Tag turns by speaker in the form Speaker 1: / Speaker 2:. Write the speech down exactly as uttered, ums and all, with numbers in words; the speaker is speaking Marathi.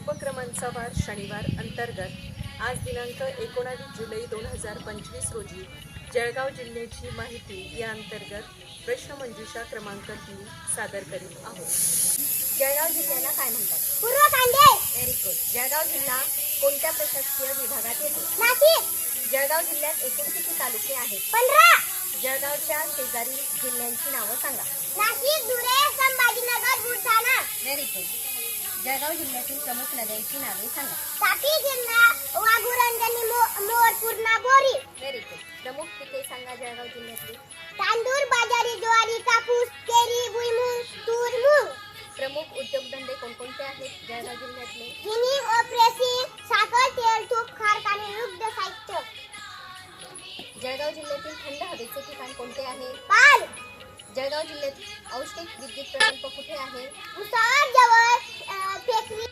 Speaker 1: उपक्रमांचा वार शनिवार अंतर्गत आज दिनांक एकोणावीस जुलै दोन हजार पंचवीस रोजी जळगाव जिल्ह्याची माहिती या अंतर्गत प्रश्नमंजुषा क्रमांक तीन सादर करीत आहोत।
Speaker 2: जळगाव जिल्ह्याला काय म्हणतात?
Speaker 3: पूर्व कांडे।
Speaker 2: Very good. जळगाव जिल्हा कोणत्या प्रशासकीय विभागात येतो?
Speaker 3: नाशिक।
Speaker 2: जळगाव जिल्ह्यात एकूण किती तालुके आहेत?
Speaker 3: पंधरा।
Speaker 2: जळगावच्या शेजारील जिल्ह्यांची नावं सांगा।
Speaker 3: नाशिक, धुळे, संभाजीनगर, बुलढाणा।
Speaker 2: Very good. जळगाव जिल्ह्यातील प्रमुख नद्यांची नावे सांगा।
Speaker 3: तापी, गिरणा, वाघुरंजनी, मोर, पूर्णा, बोरी।
Speaker 2: Very good. प्रमुख पिके सांगा जळगाव जिल्ह्यातली।
Speaker 3: तांदूळ, बाजरी, ज्वारी, कापूस, केळी, भुईमूग, तूर, मूग।
Speaker 2: प्रमुख उद्योगधंदे कोणकोणते आहेत जळगाव जिल्ह्यातले?
Speaker 3: जिनिंग व प्रेसिंग, साखर, तेल, तूप, कारखाने, दुग्ध साहित्य।
Speaker 2: जळगाव जिल्ह्यातील थंड हवेचे ठिकाण कोणते आहे?
Speaker 3: पाल।
Speaker 2: जळगाव जिल्ह्यात औष्णिक विद्युत प्रकल्प कुठे आहे?
Speaker 3: उसावर जवळ फेकरी